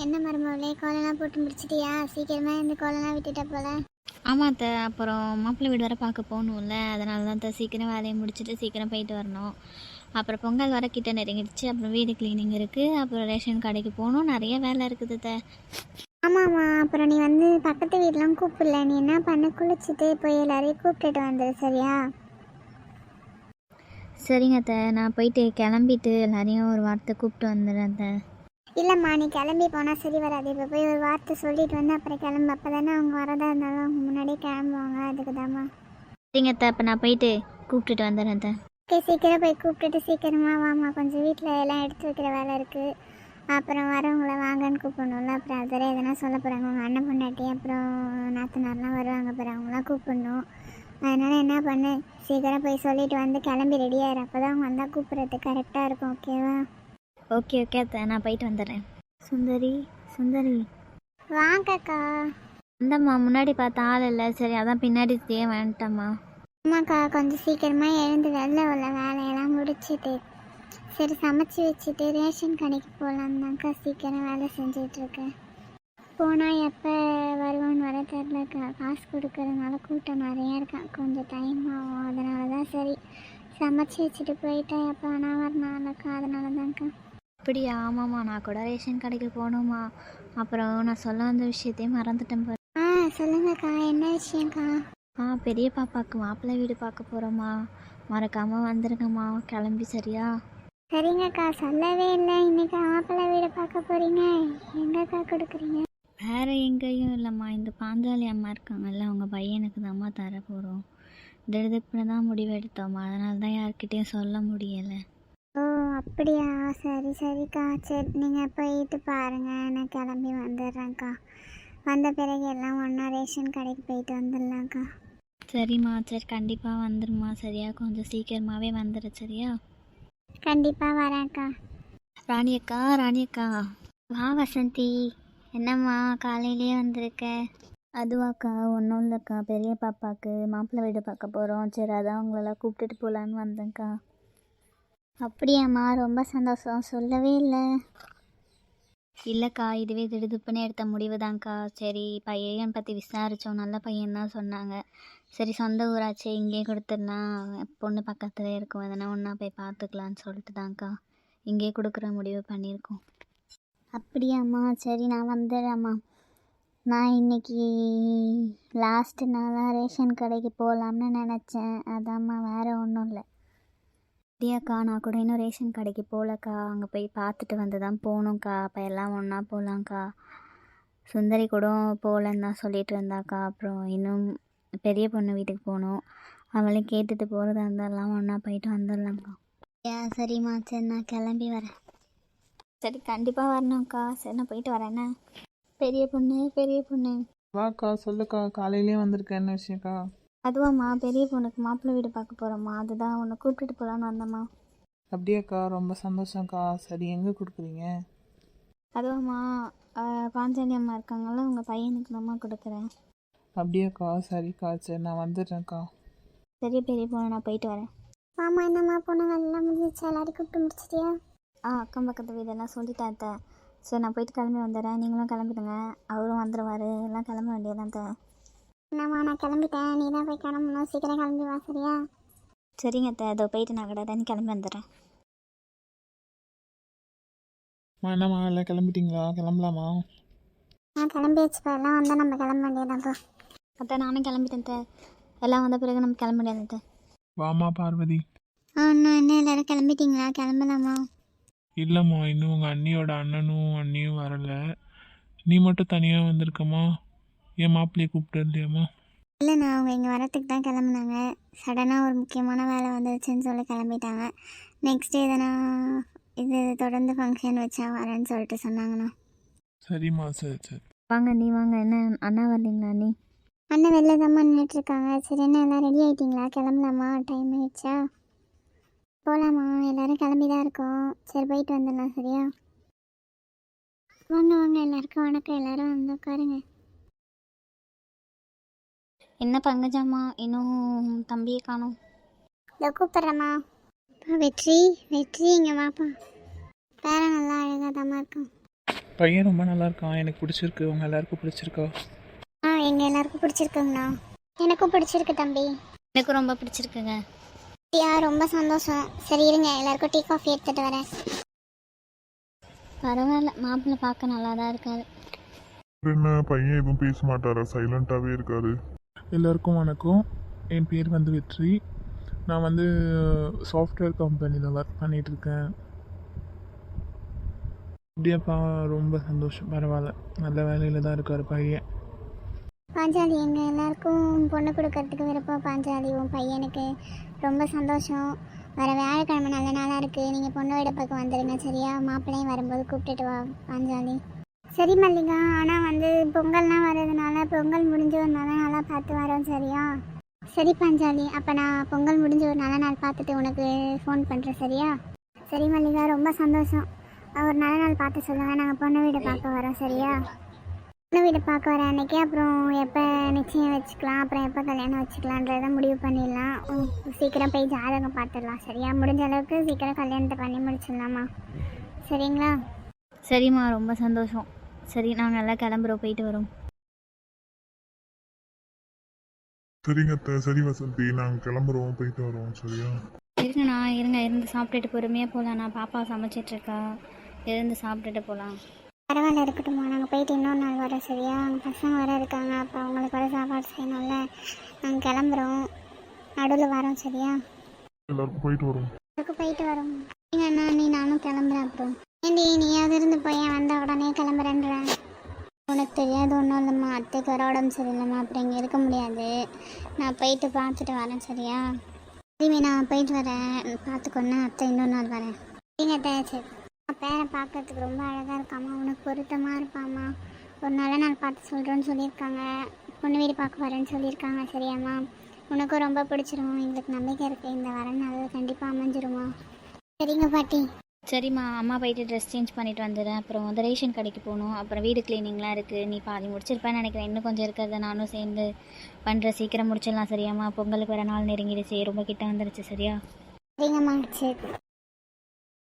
என்ன மருமகளே, கோலம்லாம் போட்டு முடிச்சிட்டியா? சீக்கிரமாக இந்த கோலம்லாம் விட்டுட்ட போல. ஆமாம் அத்தை, அப்புறம் மாப்பிள்ளை வீடு வர பார்க்க போகணும்ல, அதனால தான் அத்தை சீக்கிரம் வேலையை முடிச்சுட்டு சீக்கிரம் போயிட்டு வரணும். அப்புறம் பொங்கல் வர கிட்ட நெருங்கிடுச்சு. அப்புறம் வீடு க்ளீனிங் இருக்குது, அப்புறம் ரேஷன் கடைக்கு போகணும், நிறைய வேலை இருக்குது அத்தை. ஆமாம்மா, அப்புறம் நீ வந்து பக்கத்து வீடெலாம் கூப்பிடல. நீ என்ன பண்ண, குளிச்சுட்டு போய் எல்லாரையும் கூப்பிட்டுட்டு வந்துடு, சரியா? சரிங்க அத்தை, நான் போயிட்டு கிளம்பிட்டு எல்லாரையும் ஒரு வார்த்தை கூப்பிட்டு வந்துடுறேன் அத்தை. இல்லைம்மா, நீ கிளம்பி போனால் சரி வராது. இப்போ போய் ஒரு வார்த்தை சொல்லிட்டு வந்து அப்புறம் கிளம்பு. அப்போ தானே அவங்க வரதா இருந்தாலும் அவங்க முன்னாடியே கிளம்புவாங்க. அதுக்கு தாம்மா. சரிங்க அத்தை, அப்போ நான் போயிட்டு கூப்பிட்டுட்டு வந்துடுறேன் அத்தை. ஓகே, சீக்கிரம் போய் கூப்பிட்டுட்டு சீக்கிரமாக வாமா. கொஞ்சம் வீட்டில் எல்லாம் எடுத்து வைக்கிற வேலை இருக்குது. அப்புறம் வரவங்கள வாங்கன்னு கூப்பிடணும்ல. அப்புறம் அதில் எதனா சொல்ல போகிறாங்க உங்கள் அண்ணன் பொண்டாட்டி, அப்புறம் நாத்தனார்லாம் வருவாங்க, அப்புறம் அவங்களாம் கூப்பிடணும். அதனால் என்ன பண்ணு, சீக்கிரம் போய் சொல்லிட்டு வந்து கிளம்பி ரெடியாகிரு. அப்போ தான் அவங்க வந்தால் கூப்பிட்றதுக்கு கரெக்டாக இருக்கும். ஓகேவா? ஓகே ஓகே அத்தை, நான் போயிட்டு வந்துடுறேன். சுந்தரி சுந்தரி வாங்கக்கா. இந்தம்மா, முன்னாடி பார்த்த ஆள் இல்லை, சரி அதான் பின்னாடி வந்துட்டம்மா. ஆமாக்கா, கொஞ்சம் சீக்கிரமாக எழுந்து வெளில உள்ள வேலையெல்லாம் முடிச்சுட்டு சரி சமைச்சி வச்சுட்டு ரேஷன் கடைக்கு போகலான்னு தான்க்கா சீக்கிரம் வேலை செஞ்சிட்ருக்கேன். போனால் எப்போ வருவான்னு வர தெரிலக்கா. காசு கொடுக்கறதுனால கூட்டம் நிறையா இருக்கேன், கொஞ்சம் டைம் ஆகும். அதனால தான் சரி சமைச்சி வச்சுட்டு போயிட்டா எப்போ ஆனால் வரனாலக்கா. அதனால தான்க்கா. அப்படியா? ஆமாம்மா, நான் கூட ரேஷன் கடைக்கு போகணுமா. அப்புறம் நான் சொல்ல வந்த விஷயத்தையும் மறந்துட்டேன் பாரு. சொல்லுங்கக்கா, என்ன விஷயம்க்கா? பெரிய பாப்பாவுக்கு மாப்பிள்ளை வீடு பார்க்க போகிறோம்மா, மறக்காமல் வந்துருங்கம்மா கிளம்பி. சரியா? சரிங்கக்கா, சொல்லவே இல்லை. இன்னைக்கு மாப்பிள்ளை வீடு பார்க்க போகிறீங்க. எங்கக்கா கொடுக்குறீங்க? வேறு எங்கேயும் இல்லைம்மா, இந்த பாஞ்சாலி அம்மா இருக்காங்கல்ல, அவங்க பையனுக்கு தான்மா தர போகிறோம். திடுதிப்புன்னு தான் முடிவெடுத்தோம்மா, அதனால தான் யார்கிட்டையும் சொல்ல முடியலை. ஓ அப்படியா, சரி சரிக்கா. சரி, நீங்கள் போயிட்டு பாருங்கள், நான் கிளம்பி வந்துடுறேன்க்கா. வந்த பிறகு எல்லாம் ஒன்றா ரேஷன் கடைக்கு போயிட்டு வந்துடலாம்க்கா. சரிம்மா, சரி கண்டிப்பாக வந்துடுமா. சரியா? கொஞ்சம் சீக்கிரமாகவே வந்துடு. சரியா? கண்டிப்பாக வரேன்க்கா. ராணி அக்கா, ராணி அக்கா. வா வசந்தி. என்னம்மா காலையிலேயே வந்திருக்க? அதுவாக்கா, ஒன்றும் இல்லைக்கா, பெரிய பாப்பாவுக்கு மாப்பிள்ளை வீடு பார்க்க போகிறோம். சரி அதான் உங்களெல்லாம் கூப்பிட்டுட்டு போகலான்னு வந்தேங்க்கா. அப்படியாம்மா, ரொம்ப சந்தோஷம். சொல்லவே இல்லை. இல்லைக்கா, இதுவே திடுதுப்புன்னு எடுத்த முடிவு தான்க்கா. சரி பையன் பற்றி விசாரித்தோம், நல்ல பையன் தான் சொன்னாங்க. சரி சொந்த ஊராச்சே, இங்கேயே கொடுத்துடலாம், பொண்ணு பக்கத்துலேயே இருக்கும், அதனால் ஒன்றா போய் பார்த்துக்கலான்னு சொல்லிட்டு தான்க்கா இங்கேயே கொடுக்குற முடிவு பண்ணியிருக்கோம். அப்படியாம்மா, சரி நான் வந்துடுறேம்மா. நான் இன்னைக்கு லாஸ்ட்டு நாளாக ரேஷன் கடைக்கு போகலாம்னு நினச்சேன். அதாம்மா, வேறு ஒன்றும் இல்லை. அப்படியாக்கா, நான் கூட இன்னும் ரேஷன் கடைக்கு போகலக்கா, அங்கே போய் பார்த்துட்டு வந்து தான் போகணுங்க்கா. அப்போ எல்லாம் ஒன்றா போகலாங்க்கா. சுந்தரி கூட போகலன்னு தான் சொல்லிட்டு இருந்தாக்கா. அப்புறம் இன்னும் பெரிய பொண்ணு வீட்டுக்கு போகணும், அவளையும் கேட்டுட்டு போகிறதா இருந்தாலும் ஒன்றா போயிட்டு வந்துடலாம்க்கா. சரிம்மா, சரி நான் கிளம்பி வரேன். சரி கண்டிப்பாக வரணும்க்கா. சரி நான் போயிட்டு வரேண்ணே. பெரிய பொண்ணு, பெரிய பொண்ணு. வாக்கா, சொல்லுக்கா, காலையிலேயே வந்திருக்கேன். என்ன விஷயம்க்கா? அதுவாம்மா, பெரிய பொண்ணுக்கு மாப்பிள்ளை வீடு பார்க்க போகிறோம்மா, அதுதான் உன்னை கூப்பிட்டுட்டு போகலான்னு வந்தம்மா. அப்படியாக்கா, ரொம்ப சந்தோஷம்க்கா. சரி, எங்கே கொடுக்குறீங்க? அதுவாம்மா, பாஞ்சாலி அம்மா இருக்காங்கல்ல, உங்கள் பையனுக்கு தான்மா கொடுக்குறேன். அப்படியாக்கா, சரிக்கா, சரி நான் வந்துடுறேன்க்கா. சரி பெரிய பொண்ணு, நான் போயிட்டு வரேன். ஆமாம், என்னம்மா பொண்ணுங்க எல்லாம் முடிஞ்சிச்சு, எல்லாரையும் கூப்பிட்டு முடிச்சிட்டியா? அக்கம் பக்கத்து வீடெல்லாம் சொல்லிட்டேன் அத்தை. சரி நான் போயிட்டு கிளம்பி வந்துடுறேன், நீங்களும் கிளம்பிடுங்க, அவரும் வந்துடுவார், எல்லாம் கிளம்ப வேண்டியதான் அத்தை. என்னம்மா, நான் கிளம்பிட்டேன். நீ தான் போய் கிளம்பணும். சீக்கிரம் கிளம்பி வா, சரியா? சரிங்க அத்தை, அதோ போயிட்டு நான் கடை கிளம்பி வந்துடுறேன். என்னம்மா, எல்லாம் கிளம்பிட்டீங்களா? கிளம்பலாமா? நான் கிளம்பியாச்சுப்பா. எல்லாம் வந்தால் நம்ம கிளம்ப வேண்டியதான்ப்பா. அத்தை நானும் கிளம்பிட்டேன் அத்தை, எல்லாம் வந்த பிறகு நம்ம கிளம்ப முடியாது அத்தை. வாமா பார்வதி. இன்னும் என்ன எல்லாரும் கிளம்பிட்டீங்களா? கிளம்பலாமா? இல்லைம்மா, இன்னும் உங்கள் அண்ணியோட அண்ணனும் அண்ணியும் வரலை. நீ மட்டும் தனியாக வந்திருக்கம்மா. என் மாப்பிள்ளையை கூப்பிட்டு இல்லையாம்மா? இல்லை, நான் அவங்க இங்கே வரத்துக்கு தான் கிளம்புனாங்க. சடனாக ஒரு முக்கியமான வேலை வந்துருச்சுன்னு சொல்லி கிளம்பிட்டாங்க. நெக்ஸ்ட் எதனா இது தொடர்ந்து ஃபங்க்ஷன் வச்சா வரேன்னு சொல்லிட்டு சொன்னாங்கண்ணா. சரிம்மா, சரி சரி. வாங்க நீ வாங்க. என்ன அண்ணா வரலீங்களா? நீ அண்ணன் வெளில தான் நின்றுட்டுருக்காங்க. சரி, என்ன எல்லாம் ரெடி ஆகிட்டிங்களா? கிளம்பலாமா? டைம் ஆயிடுச்சா? போகலாமா? எல்லோரும் கிளம்பி தான் இருக்கோம். சரி போயிட்டு வந்துடலாம். சரியா? வாங்க வாங்க, எல்லாருக்கும் வணக்கம். எல்லோரும் வந்து உட்காருங்க. என்ன பங்கஜம்மா, இன்னும் தம்பியை காணோம்? இதோ கூப்பிட்றேம்மா. வெற்றி, வெற்றி இங்கே வாப்பா. பேர நல்லா அழகாக தான் இருக்கும். பையன் ரொம்ப நல்லா இருக்கான், எனக்கு பிடிச்சிருக்கு. உங்கள் எல்லாருக்கும் பிடிச்சிருக்கா? எங்கள் எல்லாருக்கும் பிடிச்சிருக்குங்கண்ணா. எனக்கும் பிடிச்சிருக்கு தம்பி. எனக்கு ரொம்ப பிடிச்சிருக்குங்க. ரொம்ப சந்தோஷம். சரி இருங்க, எல்லாருக்கும் டீ காஃபி எடுத்துகிட்டு வரேன். பரவாயில்ல, மாப்பிள்ளை பார்க்க நல்லா தான் இருக்காரு. என்ன பையன் எதுவும் பேச மாட்டாரா? சைலண்டாகவே இருக்காரு. எல்லாருக்கும் வணக்கம். என் பேர் வந்து வெற்றி. நான் வந்து சாஃப்ட்வேர் கம்பெனியில் ஒர்க் பண்ணிகிட்ருக்கேன். அப்படியாப்பா, ரொம்ப சந்தோஷம். பரவாயில்ல, நல்ல வேலையில் தான் இருக்கார் பையன். பாஞ்சாலி, எங்கள் எல்லாருக்கும் பொண்ணு கொடுக்கறதுக்கு விருப்பம். பாஞ்சாலி, உன் பையனுக்கு ரொம்ப சந்தோஷம். வர வியாழக்கிழமை நல்ல நாளாக இருக்குது. நீங்கள் பொண்ணு வீடு பக்கம் வந்துடுங்க சரியா? மாப்பிள்ளையும் வரும்போது கூப்பிட்டுட்டு வா பாஞ்சாலி. சரி மல்லிகா, ஆனால் வந்து பொங்கல்லாம் வர்றதுனால பொங்கல் முடிஞ்ச ஒரு நல்ல நாளாக பார்த்து வரோம் சரியா? சரி பாஞ்சாலி, அப்போ நான் பொங்கல் முடிஞ்ச ஒரு நல்ல நாள் பார்த்துட்டு உனக்கு ஃபோன் பண்ணுறேன் சரியா? சரி மல்லிகா, ரொம்ப சந்தோஷம். ஒரு நல்ல நாள் பார்த்து சொல்லுங்கள். நாங்கள் பொண்ணு வீடு பார்க்க வரோம் சரியா? பொண்ணு வீடு பார்க்க வர அன்னைக்கு அப்புறம் எப்போ நிச்சயம் வச்சுக்கலாம், அப்புறம் எப்போ கல்யாணம் வச்சுக்கலான்றதை முடிவு பண்ணிடலாம். சீக்கிரம் போய் ஜாதகம் பார்த்துடலாம் சரியா? முடிஞ்ச அளவுக்கு சீக்கிரம் கல்யாணத்தை பண்ணி முடிச்சிடலாமா? சரிங்களா? சரிம்மா, ரொம்ப சந்தோஷம். சரி, நாங்கள் எல்லாம் கிளம்புறோம், போயிட்டு வரோம். சரிங்க அத்தை. சரி வசந்தி, நாங்கள் கிளம்புறோம், போயிட்டு வரோம் சரியா? இருங்கண்ணா, இருங்க, இருந்து சாப்பிட்டுட்டு பொறுமையாக போகலாம். நான் பாப்பா சமைச்சிட்ருக்கா, இருந்து சாப்பிட்டுட்டு போகலாம். பரவாயில்ல, இருக்கட்டும்மா. நாங்கள் போயிட்டு இன்னொரு நாள் வரோம் சரியா? அவங்க பசங்க வர இருக்காங்க, அப்போ அவங்களுக்கு வர சாப்பாடு செய்யணும்ல. நாங்கள் கிளம்புறோம், நடுவில் வரோம் சரியா? எல்லாருக்கும் போயிட்டு வரோம். அதுக்கு போயிட்டு வரோம். நீங்கள் அண்ணா நீ நானும் கிளம்புறேன். அப்புறம் ஏண்டி நீயாவது இருந்து போய் வந்த உடனே கிளம்புறேன்றேன்? உனக்கு தெரியாது ஒன்றும் இல்லைம்மா, அத்தைக்கு வர உடம்பு சரியில்லைம்மா, அப்புறம் இங்கே இருக்க முடியாது. நான் போயிட்டு பார்த்துட்டு வரேன் சரியா? திரும்பி நான் போயிட்டு வரேன், பார்த்துக்கொன்னு அத்தை இன்னொரு நாள் வரேன். சரிங்க அத்தை. சரி, பேரை பார்க்கறதுக்கு ரொம்ப அழகாக இருக்காம்மா, உனக்கு பொருத்தமாக இருப்பாம்மா. ஒரு நல்ல நாள் பார்த்து சொல்கிறோன்னு சொல்லியிருக்காங்க. பொண்ணு வீடு பார்க்க வரேன்னு சொல்லியிருக்காங்க சரியாம்மா? உனக்கும் ரொம்ப பிடிச்சிரும், எங்களுக்கு நம்பிக்கை இருக்குது. இந்த வர நாள் கண்டிப்பாக அமைஞ்சிருமா? சரிங்க பாட்டி. சரிம்மா, அம்மா போயிட்டு ட்ரெஸ் சேஞ்ச் பண்ணிட்டு வந்துடுறேன். அப்புறம் வந்து ரேஷன் கடைக்கு போகணும், அப்புறம் வீடு க்ளீனிங்லாம் இருக்குது. நீ பாதி முடிச்சிருப்பேன்னு நினைக்கிறேன், இன்னும் கொஞ்சம் இருக்கிறத நானும் சேர்ந்து பண்ணுற. சீக்கிரம் முடிச்சிடலாம் சரியாம்மா? பொங்கலுக்கு வர நாள் நெருங்கிடுச்சு, ரொம்ப கிட்ட வந்துடுச்சு சரியா? சரிங்கம்மா. சரி.